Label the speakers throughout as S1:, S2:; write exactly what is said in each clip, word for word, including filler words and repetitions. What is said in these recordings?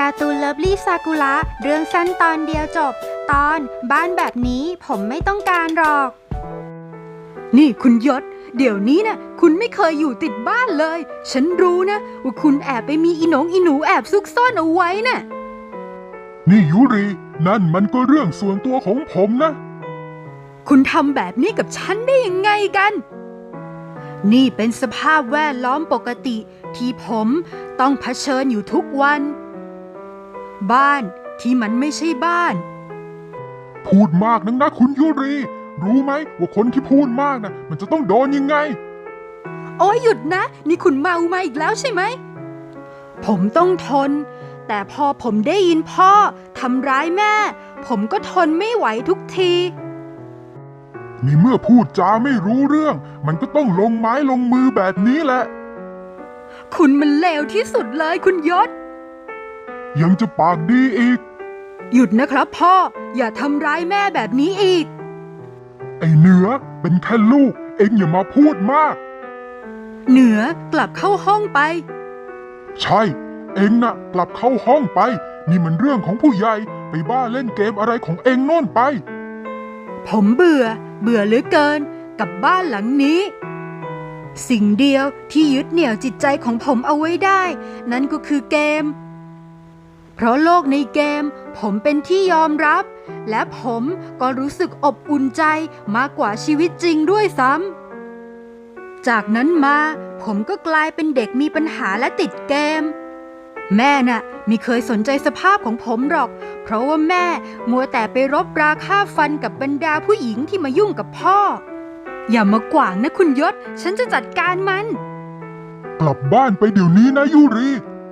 S1: การ์ตูนเลิฟลี่ซากุระเรื่องสั้นตอนเดียวจบตอนบ้านแบบนี้ผมไม่ต้องการหรอกนี่คุณยศเดี๋ยวนี้นะคุณไม่เคยอยู่ติดบ้านเลยฉันรู้นะว่าคุณแอบไปมีอีหนงอีหนูแอบซุกซ่อนเอาไว้นะ่ะ
S2: นี่ยูรินั่นมันก็เรื่องส่วนตัวของผมนะ
S1: คุณทำแบบนี้กับฉันได้ยังไงกันนี่เป็นสภาพแวดล้อมปกติที่ผมต้องเผชิญอยู่ทุกวันบ้านที่มันไม่ใช่บ้าน
S2: พูดมากนักนะคุณยูริรู้ไหมว่าคนที่พูดมากนะมันจะต้องโดนยังไง
S1: โอ้ยหยุดนะนี่คุณเมามาอีกแล้วใช่ไหมผมต้องทนแต่พอผมได้ยินพ่อทำร้ายแม่ผมก็ทนไม่ไหวทุกที
S2: นี่เมื่อพูดจาไม่รู้เรื่องมันก็ต้องลงไม้ลงมือแบบนี้แหละ
S1: คุณมันเลวที่สุดเลยคุณยศ
S2: ยังจะปากดีอีก
S1: หยุดนะครับพ่ออย่าทำร้ายแม่แบบนี้อีก
S2: ไอ้เหนือเป็นแค่ลูกเอ็งอย่ามาพูดมาก
S1: เหนือกลับเข้าห้องไป
S2: ใช่เอ็งน่ะกลับเข้าห้องไปนี่มันเรื่องของผู้ใหญ่ไปบ้าเล่นเกมอะไรของเอ็งโน่นไป
S1: ผมเบื่อเบื่อเหลือเกินกับบ้านหลังนี้สิ่งเดียวที่ยึดเหนี่ยวจิตใจของผมเอาไว้ได้นั่นก็คือเกมเพราะโลกในเกมผมเป็นที่ยอมรับและผมก็รู้สึกอบอุ่นใจมากกว่าชีวิตจริงด้วยซ้ำจากนั้นมาผมก็กลายเป็นเด็กมีปัญหาและติดเกมแม่น่ะไม่เคยสนใจสภาพของผมหรอกเพราะว่าแม่มัวแต่ไปรบราฆ่าฟันกับบรรดาผู้หญิงที่มายุ่งกับพ่ออย่ามากว่างนะคุณยศฉันจะจัดการมัน
S2: กลับบ้านไปเดี๋ยวนี้นะยูริ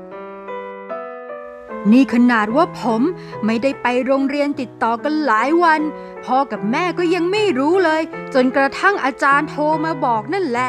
S1: นี่ขนาดว่าผมไม่ได้ไปโรงเรียนติดต่อกันหลายวันพ่อกับแม่ก็ยังไม่รู้เลยจนกระทั่งอาจารย์โทรมาบอกนั่นแหละ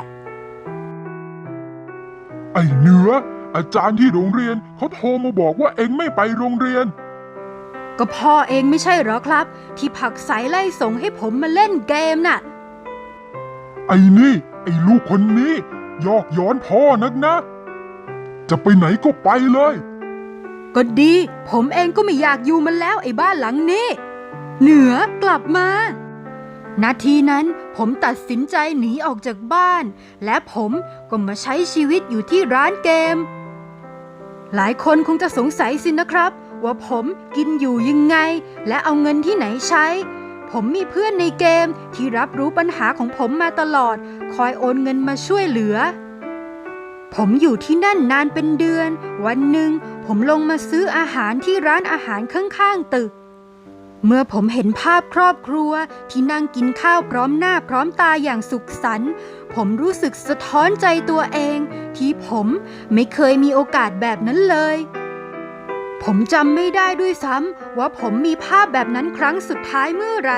S2: ไอ้เหนืออาจารย์ที่โรงเรียนเขาโทรมาบอกว่าเอ็งไม่ไปโรงเรียน
S1: ก็พ่อเองไม่ใช่หรอครับที่ผลักไสไล่ส่งให้ผมมาเล่นเกมน่ะ
S2: ไอ้นี่ไอ้ลูกคนนี้ยอกย้อนพ่อนักนะจะไปไหนก็ไปเลย
S1: ก็ดีผมเองก็ไม่อยากอยู่มันแล้วไอ้บ้านหลังนี้เหนือกลับมานาทีนั้นผมตัดสินใจหนีออกจากบ้านและผมก็มาใช้ชีวิตอยู่ที่ร้านเกมหลายคนคงจะสงสัยสินะครับว่าผมกินอยู่ยังไงและเอาเงินที่ไหนใช้ผมมีเพื่อนในเกมที่รับรู้ปัญหาของผมมาตลอดคอยโอนเงินมาช่วยเหลือผมอยู่ที่นั่นนานเป็นเดือนวันหนึ่งผมลงมาซื้ออาหารที่ร้านอาหารข้างๆตึกเมื่อผมเห็นภาพครอบครัวที่นั่งกินข้าวพร้อมหน้าพร้อมตาอย่างสุขสันต์ผมรู้สึกสะท้อนใจตัวเองที่ผมไม่เคยมีโอกาสแบบนั้นเลยผมจำไม่ได้ด้วยซ้ำว่าผมมีภาพแบบนั้นครั้งสุดท้ายเมื่อไหร่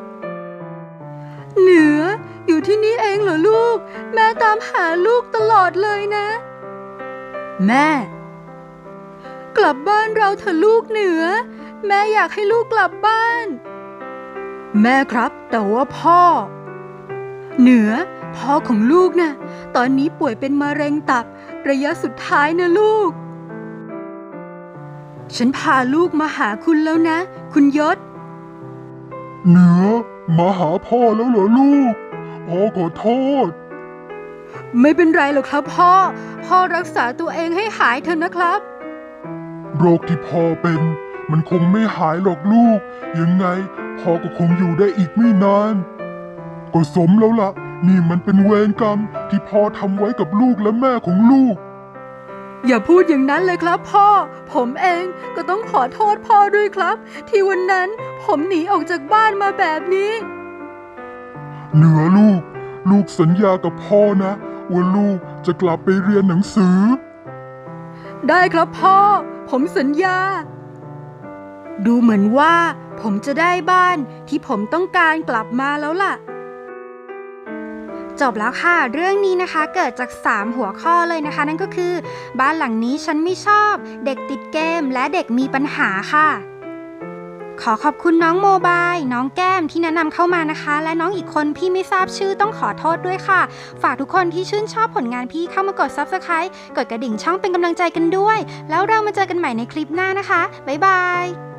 S1: เหนืออยู่ที่นี่เองเหรอลูกแม่ตามหาลูกตลอดเลยนะแม่กลับบ้านเราเถอะลูกเหนือแม่อยากให้ลูกกลับบ้านแม่ครับแต่ว่าพ่อเหนือพ่อของลูกนะตอนนี้ป่วยเป็นมะเร็งตับระยะสุดท้ายนะลูกฉันพาลูกมาหาคุณแล้วนะคุณยศ
S2: เหนือมาหาพ่อแล้วเหรอลูกพ่อขอโทษ
S1: ไม่เป็นไรหรอกครับพ่อพ่อรักษาตัวเองให้หายเถอะนะครับ
S2: โรคที่พ่อเป็นมันคงไม่หายหรอกลูกยังไงพ่อก็คงอยู่ได้อีกไม่นานก็สมแล้วล่ะนี่มันเป็นเวรกรรมที่พ่อทำไว้กับลูกและแม่ของลูก
S1: อย่าพูดอย่างนั้นเลยครับพ่อผมเองก็ต้องขอโทษพ่อด้วยครับที่วันนั้นผมหนีออกจากบ้านมาแบบนี้
S2: เหนือลูกลูกสัญญากับพ่อนะว่าลูกจะกลับไปเรียนหนังสือ
S1: ได้ครับพ่อผมสัญญาดูเหมือนว่าผมจะได้บ้านที่ผมต้องการกลับมาแล้วล่ะจบแล้วค่ะเรื่องนี้นะคะเกิดจากสามหัวข้อเลยนะคะนั่นก็คือบ้านหลังนี้ฉันไม่ชอบเด็กติดเกมและเด็กมีปัญหาค่ะขอขอบคุณน้องโมบายน้องแก้มที่แนะนำเข้ามานะคะ และน้องอีกคนพี่ไม่ทราบชื่อต้องขอโทษด้วยค่ะฝากทุกคนที่ชื่นชอบผลงานพี่เข้ามากด ซับสไครบ์ กดกระดิ่งช่องเป็นกำลังใจกันด้วยแล้วเรามาเจอกันใหม่ในคลิปหน้านะคะบ๊ายบาย